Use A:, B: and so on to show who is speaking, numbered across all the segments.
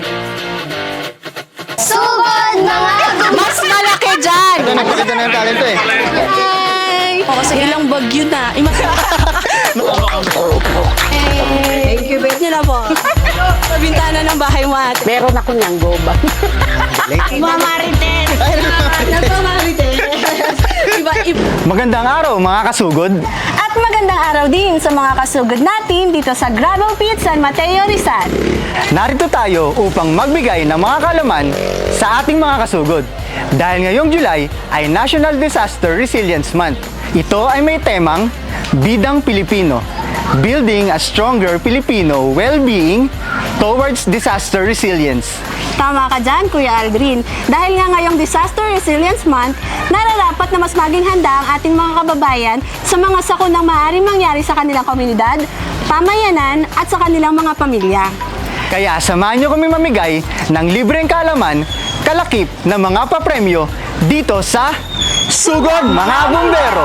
A: Sugod, mga
B: Mas malaki dyan!
C: Ito, nagpakita na yung talento eh.
B: Hi! O, kasi ilang bagyo na. Thank you, bet nyo na po. Sa bintana ng bahay mo ate.
D: Meron ako niyang goba.
B: Mga marites! Nagpamarites! Iba.
C: Magandang araw mga kasugod.
B: At magandang araw din sa mga kasugod natin dito sa Gravel Pit San Mateo, Rizal.
C: Narito tayo upang magbigay ng mga kalaman sa ating mga kasugod. Dahil ngayong July ay National Disaster Resilience Month. Ito ay may temang Bidang Pilipino, Building a Stronger Filipino Well-Being Towards Disaster Resilience.
B: Tama ka dyan, Kuya Aldrin. Dahil nga ngayong Disaster Resilience Month, nararapat na mas maging handa ang ating mga kababayan sa mga sakunang maaaring mangyari sa kanilang komunidad, pamayanan at sa kanilang mga pamilya.
C: Kaya samahan nyo kami mamigay ng libreng kalaman, kalakip na mga papremyo dito sa Sugod Mga Bumbero!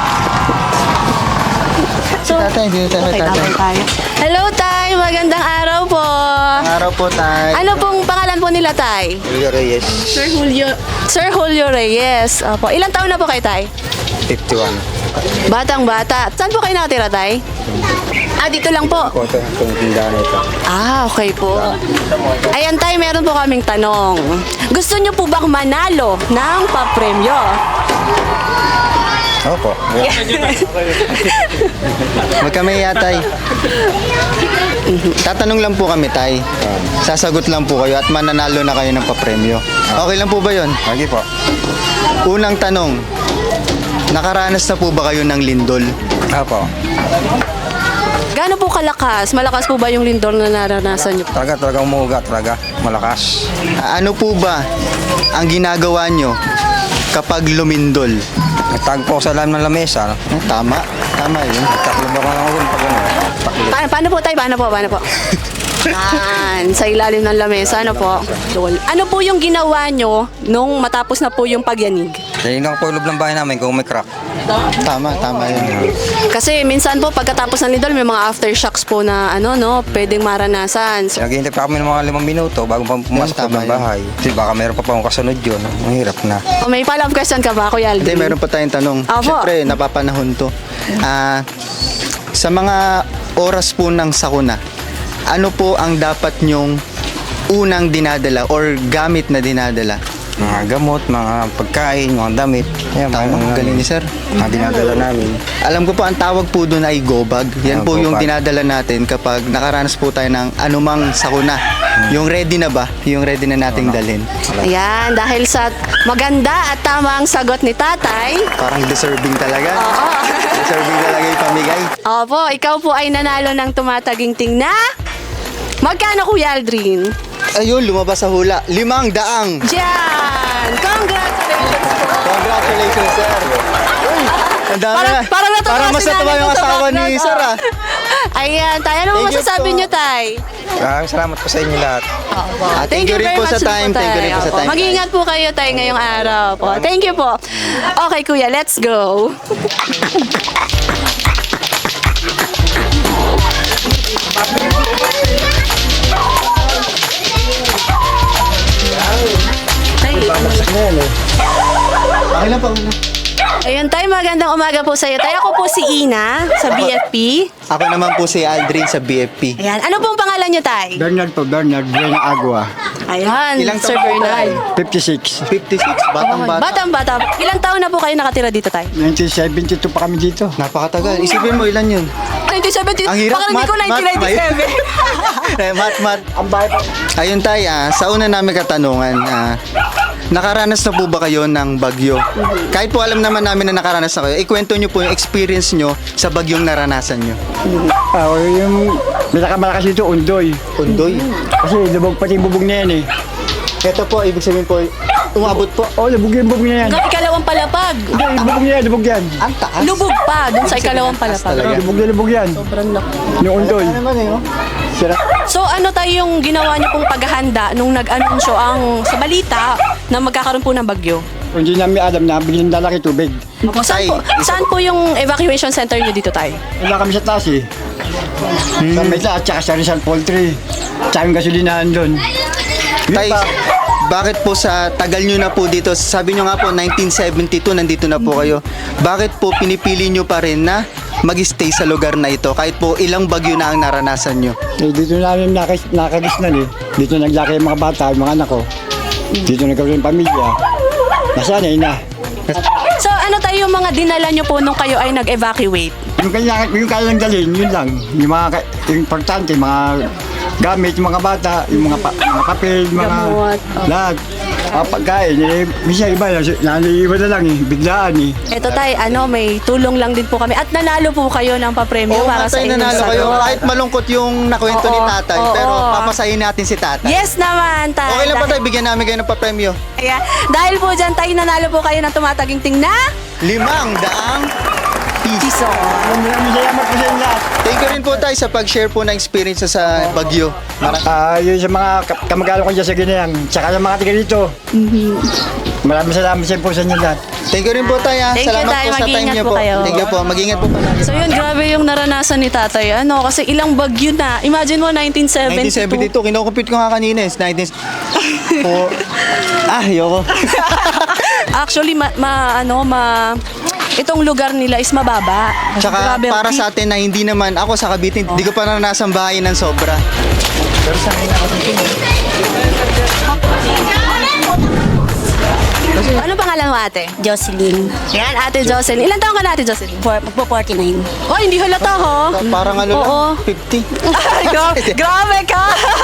C: Tatay, dito tayo, tatay.
B: Hello, Tay! Magandang araw po!
C: Araw po, tay.
B: Ano pong pangalan po nila, Tay?
C: Julio Reyes.
B: Sir Julio Reyes. Opo. Ilang taon na po kayo, Tay?
C: 51.
B: Batang-bata. Saan po kayo nakatira, Tay? Dito lang po.
C: Ito, itong tindahan ito.
B: Okay po. Ayan, Tay, meron po kaming tanong. Gusto niyo po bang manalo ng papremyo?
C: Opo. Huwag kami yatay. Tatanong lang po kami, tay. Sasagot lang po kayo at mananalo na kayo ng papremyo. Okay lang po ba yun? Okay po. Unang tanong, nakaranas na po ba kayo ng lindol? Opo.
B: Gaano po kalakas? Malakas po ba yung lindol na naranasan niyo?
E: Talaga umuuga, talaga malakas.
C: Ano po ba ang ginagawa nyo kapag lumindol?
E: Nagtagpo sa lalim ng lamesa.
C: Tama. Tama yun.
E: Taklo ba ako ng pag ano? Taklo.
B: Paano po, Tay? Paano po? Yan, sa ilalim ng lamesa, ano po? Ano po yung ginawa nyo nung matapos na po yung pagyanig?
E: Tinignan ko po yung loob ng bahay namin kung may crack.
C: Tama yun.
B: Kasi minsan po pagkatapos ng lindol may mga aftershocks po na pwedeng maranasan. So,
E: Naghihintay pa kami ng mga 5 minuto bago pa pumasok
C: Tama
E: ng bahay. Kasi baka meron pa akong kasunod yun. Mahirap na.
B: may follow-up question ka ba, Kuya
C: Hindi,
B: Aldrin?
C: meron pa tayong tanong.
B: Opo.
C: Siyempre, napapanahon to. Sa mga oras po ng sakuna, ano po ang dapat nyong unang dinadala or gamit na dinadala?
E: Mga gamot, mga pagkain, mga damit. Yan,
C: Tama, galing ni sir.
E: Mga dinadala namin.
C: Alam ko po, ang tawag po doon ay gobag. Yan po yung
E: Gobag.
C: dinadala natin kapag nakaranas po tayo ng anumang sakuna. Yung ready na ba? Yung ready na nating dalhin.
B: Ayan, dahil sa maganda at tamang sagot ni Tatay,
C: Parang deserving talaga.
B: oo.
C: Deserving talaga yung pamigay.
B: Opo, ikaw po ay nanalo ng tumataginting na magkano, Kuya Aldrin?
C: Ayun, lumabas sa hula. 500.
B: Diyan! Congratulations po!
C: Congratulations, sir. Uy, ang dami na.
B: Parang natuwa
C: Parang mas
B: si
C: natuwa
B: nanay
C: yung
B: ko sa
C: asawa ni
B: background,
C: sir,
B: Ayan, Tay. Ano
C: Thank you
B: masasabi
C: po.
B: niyo, Tay?
E: Maraming salamat po sa inyo lahat.
C: Thank you rin
B: very
C: po sa
B: much
C: time.
B: po,
C: Thank you rin po
B: Tay.
C: sa time.
B: Mag-iingat po kayo, Tay, ngayong araw po. Thank you po. Okay, Kuya, let's go.
C: Okay lang po.
B: Ayun, Tay, magandang umaga po sa iyo. Tay, ako po si Ina sa BFP.
C: Ako naman po si Aldrin sa BFP.
B: Ayan, ano pong pangalan niyo, Tay?
F: Bernard po, Bernard Buena Agua.
B: Ayan,
C: Ilang
B: Sir
C: taon po
B: Bernard.
F: 56.
C: 56, batang-bata.
B: Batang-bata. Ilang taon na po kayo nakatira dito, Tay?
F: 1972 pa kami dito.
C: Napakatagal. Isipin mo ilan yun.
B: 1970.
C: Ang hirap,
B: Baka hindi ko
C: math,
B: 1997.
C: Mat. Ayun tay, sa una namin katanungan, nakaranas na po ba kayo ng bagyo? Kahit po alam naman namin na nakaranas na kayo, ikwento nyo po yung experience nyo sa bagyong naranasan nyo.
F: Yung malakas dito, Undoy.
C: Undoy.
F: Kasi lubog pati bubog na yan eh.
C: Ito po, ibig sabihin po, umabot po.
F: Oh, lubog yung bubog na yan.
B: Hanggang ikalawang palapag.
F: Hindi, lubog yan.
C: Ang taas.
B: Lubog pa, dun sa ikalawang palapag.
C: talaga.
F: Lubog yan.
B: Sobrang laki.
F: Yung Undoy.
C: Ano naman eh, oh. Sira.
B: So ano tayo yung ginawa niyo pong paghahanda nung nag-anunsyo ang sa balita na magkakaroon po ng bagyo?
F: Kung hindi namin alam na, bigyan lalaki tubig.
B: Saan po yung evacuation center niyo dito tayo?
F: Wala kami sa taas eh. Sa may taas, tsaka sa Rizal Poultry. Tsaka yung gasolinahan doon.
C: Tay, bakit po sa tagal nyo na po dito, sabi nyo nga po 1972 nandito na po kayo, bakit po pinipili nyo pa rin na mag-stay sa lugar na ito kahit po ilang bagyo na ang naranasan nyo?
F: Eh, dito namin nakagisnan eh. Dito naglaki yung mga bata, yung mga anak ko. Dito nagkaroon yung pamilya. Nasanay na.
B: So ano tayo yung mga dinala nyo po nung kayo ay nag-evacuate?
F: Yung kaya lang dalhin, yun lang. Yung mga yung importante, mga gamit, yung mga bata, yung mga papel, yung mga
B: Gamot,
F: lahat. Pagkain, eh, minsan iba, naliiwan na lang eh, biglaan eh.
B: Ito tay, may tulong lang din po kami at nanalo po kayo ng papremyo
C: Oo,
B: para sa
C: Tatay,
B: inyong
C: nanalo kayo.
B: salon.
C: Kahit malungkot yung nakwento ni
B: Oo,
C: tatay,
B: oo.
C: pero papasahin natin si tatay.
B: Yes naman, tay.
C: Okay lang ba tayo, bigyan namin kayo ng papremyo?
B: Ayan. Dahil po dyan, tay, nanalo po kayo ng tumataginting na
C: 500 piso.
B: piso.
F: Salamat po sa inyo lahat.
C: Thank you rin po tayo sa pag-share po ng experience sa Bagyo.
F: Yun sa mga kamag-anak ko dyan sa Ginayang, tsaka sa mga tiga dito. Maraming salamat po sa inyo lahat.
C: Thank you rin po tayo.
B: Thank you,
C: Salamat
B: Tay.
C: po sa time
B: Mag-ingat
C: niyo
B: po
C: po.
B: kayo.
C: Thank you po. Mag-ingat po palagi.
B: So yun, grabe yung naranasan ni tatay. Kasi ilang bagyo na. Imagine mo, 1972.
C: 1972, kinukumpute ko nga kanina is 19... Ayoko.
B: Actually, itong lugar nila is mababa.
C: Tsaka
B: Grabe ang
C: para
B: peak.
C: sa atin na hindi naman, ako sa Cavite, hindi ko pa naranasan bahay ng sobra. Pero sanay na ako dito.
B: Ano pangalan mo, ate?
A: Jocelyn.
B: Yan, ate Jocelyn. Ilan taon ka na, ate Jocelyn?
A: Magpo-49.
B: Oh, hindi halata, ho?
C: Parang ano
B: Oo.
C: lang, 50.
B: Ay, grabe ka!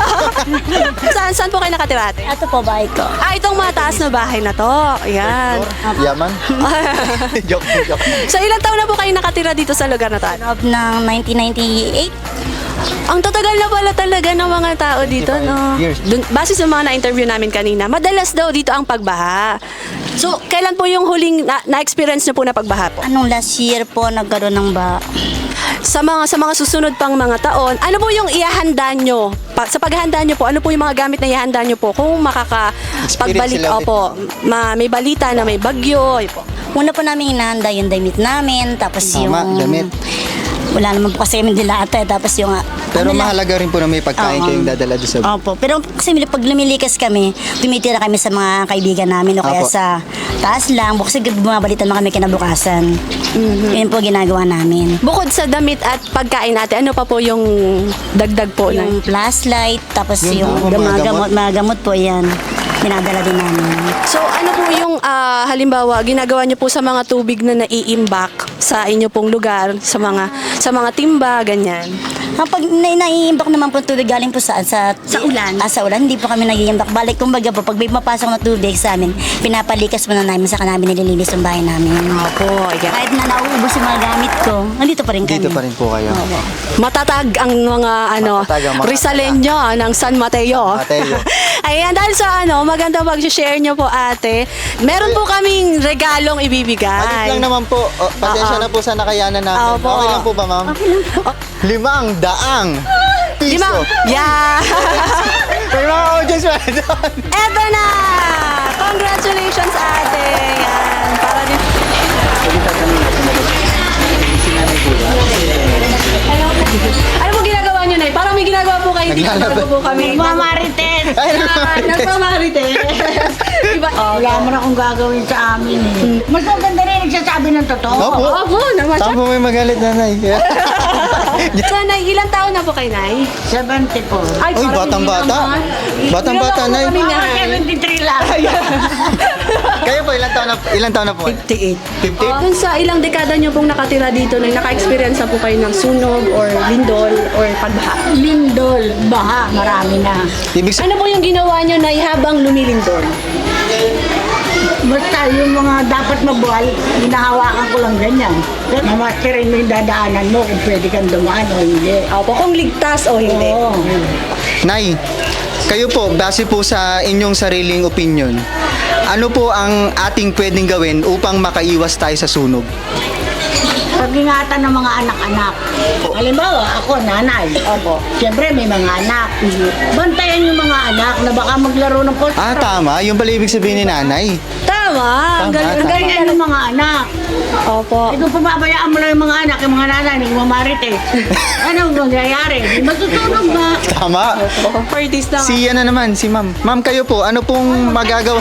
B: saan po kayo nakatira, ate?
A: Ito po bahay ko.
B: Itong mataas na bahay na to. Ayan.
C: Yaman. joke.
B: So, ilang taon na po kayo nakatira dito sa lugar na to?
A: Loob ng 1998.
B: Ang tatagal na pala talaga ng mga tao dito, no?
C: years.
B: Base sa mga na-interview namin kanina, madalas daw dito ang pagbaha. So, kailan po yung huling na-experience niyo po na pagbaha po?
A: Anong last year po nagkaroon ng
B: Sa mga susunod pang mga taon, ano po yung ihahanda nyo? Sa paghahanda nyo po, ano po yung mga gamit na ihahanda nyo po? Kung makakapagbalik,
C: Experience sila
B: opo, may balita na may bagyo, ay po.
A: Una po namin hinahanda yung damit namin, tapos
C: Tama,
A: yung...
C: damit.
A: Wala naman po kasi kami dilata, tapos yung...
C: Pero
A: ano lang-
C: mahalaga rin po na may pagkain
A: Oo.
C: kayong dadala doon sa...
A: Opo, pero kasi pag lumilikas kami, tumitira kami sa mga kaibigan namin o kaya
C: Apo.
A: sa taas lang, kasi bumabalitan naman kami kinabukasan. Yun po ginagawa namin.
B: Bukod sa damit at pagkain natin, ano pa po yung dagdag po?
A: Yung flashlight, tapos
C: Yun
A: yung
C: po, mga
A: mga gamot po yan. Dinadala din namin.
B: So ano po yung halimbawa ginagawa niyo po sa mga tubig na naiimbak sa inyo pong lugar, sa mga timba, ganyan?
A: Pag naiimbak naman po tubig galing po sa
B: ulan?
A: Sa ulan, hindi po kami nag-iimbak. Balik, kumbaga po, pag may mapasok na tubig sa amin, pinapalikas muna namin, saka namin nililinis yung bahay namin.
B: Opo, yeah.
A: Kahit na nauubos yung mga gamit ko, nandito pa rin kami.
C: Dito pa rin po kayo.
B: Matatag ang mga
C: Matatag ang mga
B: Rizaleño ng San Mateo.
C: Mateo.
B: Ayan, dahil sa maganda mag-share nyo po ate. Meron po kaming regalong ibibigay.
C: Alit lang naman po. Pasensya na po sa nakayanan namin.
B: Opo.
C: Okay lang po ba, ma'am? Okay lang po. 500 piso.
B: Yeah!
C: May mga audience pa doon.
B: Eto na! Congratulations ate! Yan, para din... Ano po ginagawa nyo na? Parang may ginagawa po kayo dito.
C: Naglalaba.
B: Bago po kami.
A: Mamarites!
C: Ay,
B: Nagmamarites. Diba?
D: Wala mo na akong gagawin sa amin eh. Mas maganda rin nagsasabi ng totoo.
C: Opo.
B: Opo, naman siya.
C: Saan po may magalit, nanay?
B: So, Nay, ilang taon na po kay Nay?
D: 70 po.
B: Ay,
C: Uy,
B: parang
C: batang-bata.
B: hindi naman.
C: Batang-bata, nay.
B: Kami nga.
D: 73 lang.
C: Kayo po, ilang taon na po?
D: 58.
C: 50?
B: Dun sa ilang dekada nyo pong nakatira dito, Nay, naka-experience na po kayo ng sunog or lindol or pagbaha?
D: Lindol, baha, marami na.
C: Ibig sabihin,
B: Ano po yung ginawa nyo, Nay, habang lumilindol?
D: Basta yung mga dapat mabuhay, hinahawakan ko lang ganyan. Mamasterin mo yung dadaanan mo kung pwede kang dumaan o hindi.
B: Opo, kung ligtas o hindi.
D: Oo.
C: Nay, kayo po, base po sa inyong sariling opinion, ano po ang ating pwedeng gawin upang makaiwas tayo sa sunog?
D: Pag-ingatan ng mga anak-anak. Halimbawa, ako, nanay. Opo. Siyempre, may mga anak. Bantayan yung mga anak na baka maglaro ng post.
C: Tama. Yung pala ibig sabihin ni nanay.
B: Tama! naman.
C: Tama,
B: Ang
C: tama.
B: galing
D: Ano mga anak?
B: Opo.
D: Eh kung pababayaan mo lang yung mga anak, yung mga nanay, nagmamarit eh. Ano mangyayari? Di matutunog ba?
C: Tama.
B: Parties na.
C: Si ano naman, si ma'am. Ma'am, kayo po, ano pong magagawa?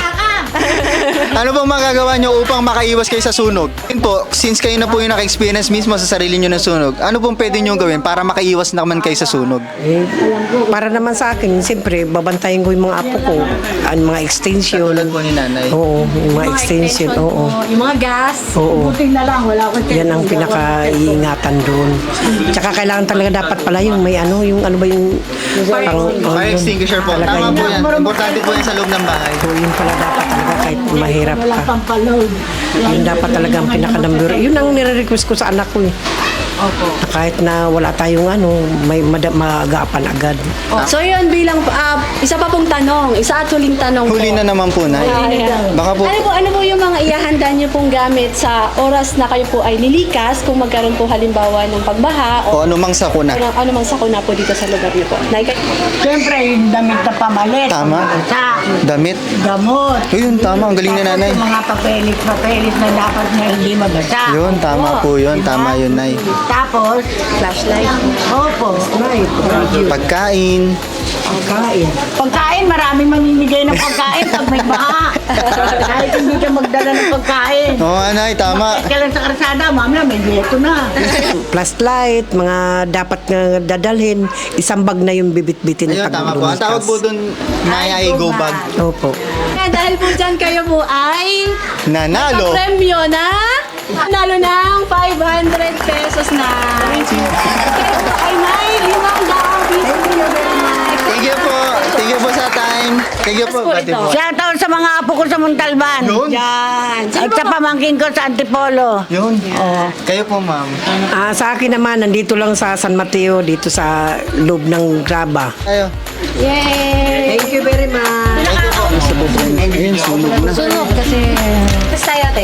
C: Ano pong magagawa nyo upang makaiwas kayo sa sunog? Yun po, since kayo na po yung naka-experience mismo sa sarili nyo ng sunog, ano pong pwede nyo gawin para makaiwas naman kayo sa sunog?
G: Para naman sa akin, siyempre, babantayan ko yung mga apo ko, ang mga extension.
C: Tulad po ni nanay.
G: Oo, yung mga extension, oo.
B: Yung mga gas.
G: Oo.
D: Buti na lang, wala akong
G: Yan ang pinaka-iingatan doon. Tsaka kailangan talaga dapat pala yung may ano, yung ano ba yung
C: Fire extinguisher po.
G: Talaga
C: Tama
G: yun.
C: po yan. Importante po yan sa loob ng bahay.
G: So, yun pala dapat talaga kahit mahirap
D: Wala
G: ka.
D: pang paload.
G: Yun dapat talaga ang pinaka-number. Yun ang nire-request ko sa anak ko eh. Na kahit na wala tayong ano, may maagapan agad.
B: So yun bilang isa pa pong tanong, isa at huling tanong po.
C: Huli na naman po, nay. Baka po,
B: Ano po yung mga ihahanda niyo pong gamit sa oras na kayo po ay lilikas kung magkaroon po halimbawa ng pagbaha
C: o ano mang sakuna.
B: ano mang sakuna po dito sa lugar niyo po.
D: Siyempre, yung damit na pamalit.
C: Tama.
D: Sa
C: Damit.
D: gamot.
C: Yun, tama. Ang galing ni nanay.
D: Yung mga papelit na dapat na hindi magasa.
C: Yun, tama po yun. Tama yun, nay.
D: Tapos,
B: Flashlight.
D: opo.
C: Pagkain.
D: Pagkain, maraming mamimigay ng pagkain pag may baha. Kahit hindi ka magdala ng pagkain.
C: Oo, nay, tama.
D: Kahit ka lang sa karsada, mamaya may dieto na.
G: Flashlight, mga dapat nga dadalhin, isang bag na yung bibit-bitin
C: Ayun,
G: pag
C: tama po. Ang
G: lumikas.
C: tawag po doon, nay, ay go bag.
G: Opo.
B: Dahil po dyan kayo po ay
C: Nanalo.
B: premyo na nalo ng 500 pesos na. Kayo po ay may 500 piso na.
C: Thank you po. Thank you po sa time. Thank you po. Pati po.
D: Shoutout sa mga apo ko sa Montalban.
C: Yun.
B: Yan.
D: At sa pamangkin ko sa Antipolo.
C: Yun. Kayo po, ma'am.
G: Sa akin naman, nandito lang sa San Mateo, dito sa loob ng Graba.
C: Kayo.
B: Yay!
G: Thank you very much.
C: Ayun, sunog na.
B: Sunog kasi... Basta tayo ate.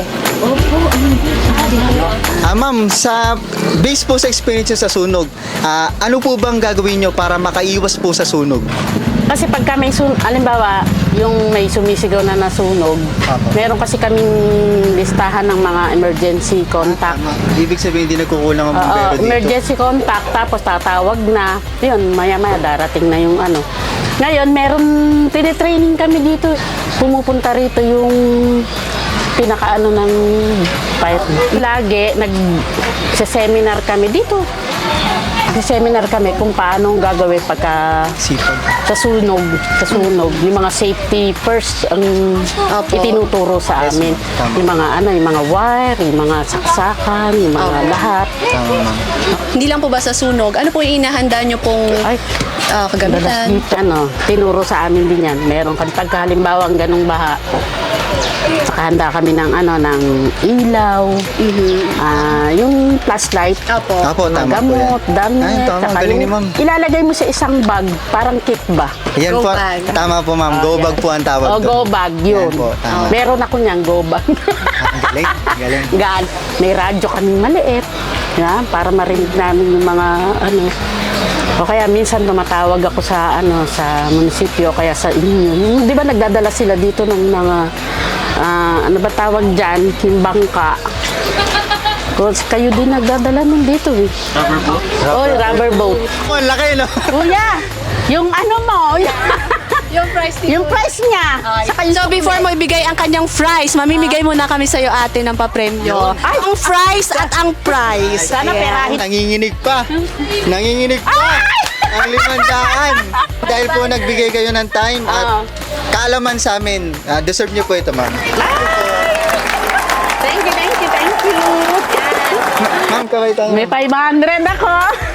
C: Ma'am, sa base po sa experience nyo sa sunog, ano po bang gagawin nyo para makaiwas po sa sunog?
H: Kasi pagka may alimbawa, yung may sumisigaw na nasunog, meron kasi kaming listahan ng mga emergency contact.
C: Ibig sabihin, hindi nagkukulang ang bumbero dito.
H: Emergency contact, tapos tatawag na. Yun, maya-maya darating na yung ano. Ngayon, meron, tinitraining kami dito. Pumupunta rito yung pinakaano ng fire. Lagi, nag-seminar kami dito. Seminar kami kung paano gagawin pagka
C: Sipag.
H: sa sunog, yung mga safety first ang itinuturo sa amin. Yung mga yung mga wire, yung mga saksakan, yung mga lahat.
C: Tama, ma'am.
B: Hindi lang po ba sa sunog? Ano po yung inahanda nyo pong
H: Ay,
B: kagamitan?
H: tinuro sa amin din yan. Meron kan pagka halimbawa ang ganung baha. Saka handa kami ng ng ilaw, yung flashlight,
C: Apo,
H: mga
C: tama po
H: gamot,
C: yan.
H: damit,
C: Ay, tama,
H: saka
C: galing ni
H: yung
C: ma'am.
H: ilalagay mo sa isang bag, parang kit ba?
C: Yan
B: Go
C: po.
B: bag.
C: Tama po, ma'am. Go bag po ang tawag
H: O,
C: doon.
H: go bag, yun.
C: Yan po, tama.
H: Meron ako niyang go bag.
C: Ang galing. Galing.
H: May radyo kaming maliit, para marinig namin yung mga o kaya minsan tumatawag ako sa sa munisipyo kaya sa inyo. 'Di ba nagdadala sila dito ng mga ano ba tawag diyan, yung bangka. Kasi kayo din nagdadala nun dito eh.
C: Rubber boat?
H: Rubber boat.
C: Oh, ang laki, no?
H: Kuya, yung mo,
B: Yung price
H: yung price niya. Saka yung
B: So before mo ibigay ang kanyang fries, mamimigay muna kami sa iyo ate ng papremyo. Ang fries at ang prize.
H: sana perahin.
C: Nanginginig pa. Nanginginig pa. Ang 500. Dahil po nagbigay kayo ng time at kaalaman sa amin, deserve nyo po ito, ma'am.
H: Thank you.
C: Ma'am, kaway tayo.
H: May 500 ako.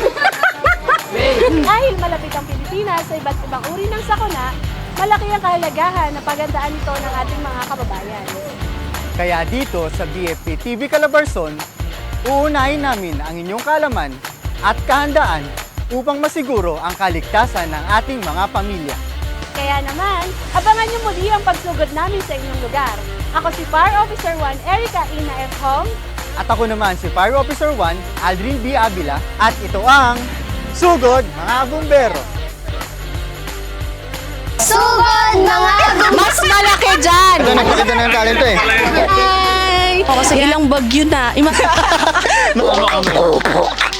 B: Dahil malapit ang Pilipinas sa iba't ibang uri ng sakuna, malaki ang kahalagahan na pagandaan ito ng ating mga kababayan.
C: Kaya dito sa BFP TV Calabarzon, uunahin namin ang inyong kaalaman at kahandaan upang masiguro ang kaligtasan ng ating mga pamilya.
B: Kaya naman, abangan niyo muli ang pagsugod namin sa inyong lugar. Ako si Fire Officer 1 Erica Ina F. Hong.
C: At ako naman si Fire Officer 1 Aldrin B. Avila at ito ang Sugod Mga Bumbero!
B: Sugod, mga
H: Mas malaki dyan!
C: Ito, nagpakita na yung talento eh.
H: Hi! Ilang bagyo na.